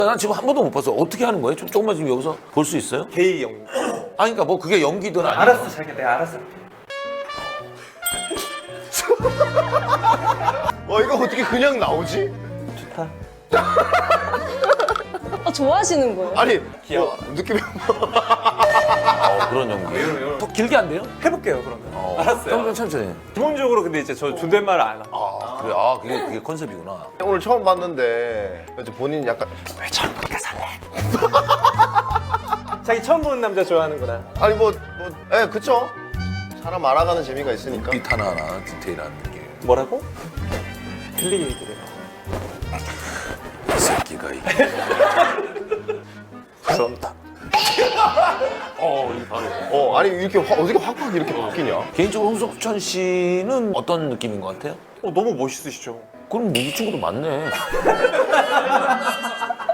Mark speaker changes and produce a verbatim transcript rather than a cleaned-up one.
Speaker 1: 난 지금 한 번도 못 봤어. 어떻게 하는 거예요? 좀 조금만 지금 여기서 볼 수 있어요?
Speaker 2: 게이 영.
Speaker 1: 아니 그러니까 뭐 그게 연기든 아니든.
Speaker 2: 알았어, 자기야, 내가 알았어.
Speaker 3: 어 이거 어떻게 그냥 나오지?
Speaker 2: 좋다.
Speaker 4: 아, 좋아하시는 거예요?
Speaker 3: 아니
Speaker 2: 귀여워.
Speaker 3: 뭐, 느낌이
Speaker 1: 어, 그런 연기. 더 길게 안 돼요?
Speaker 2: 해볼게요, 그러면.
Speaker 1: 어.
Speaker 2: 알았어요.
Speaker 1: 좀 천천히.
Speaker 2: 기본적으로 근데 이제 저 존댓말을 안 하고.
Speaker 1: 아 그래. 아 그게 그게 컨셉이구나.
Speaker 3: 오늘 처음 봤는데 이제 본인 약간 왜 저렇게 살래?
Speaker 2: 자기 처음 보는 남자 좋아하는구나.
Speaker 3: 아니 뭐뭐 예 그쵸? 사람 알아가는 재미가 있으니까.
Speaker 1: 빛 하나 하나 디테일한 느낌.
Speaker 2: 뭐라고? 틀리게 얘기를 해.
Speaker 1: 이 새끼가 이.
Speaker 2: 죄송합니다.
Speaker 1: 어, 이 바로.
Speaker 3: 어 아니 이렇게 확, 어떻게 확확 이렇게 바뀌냐?
Speaker 1: 개인적으로 홍석천 씨는 어떤 느낌인 것 같아요?
Speaker 2: 어, 너무 멋있으시죠?
Speaker 1: 그럼 이 친구도 맞네.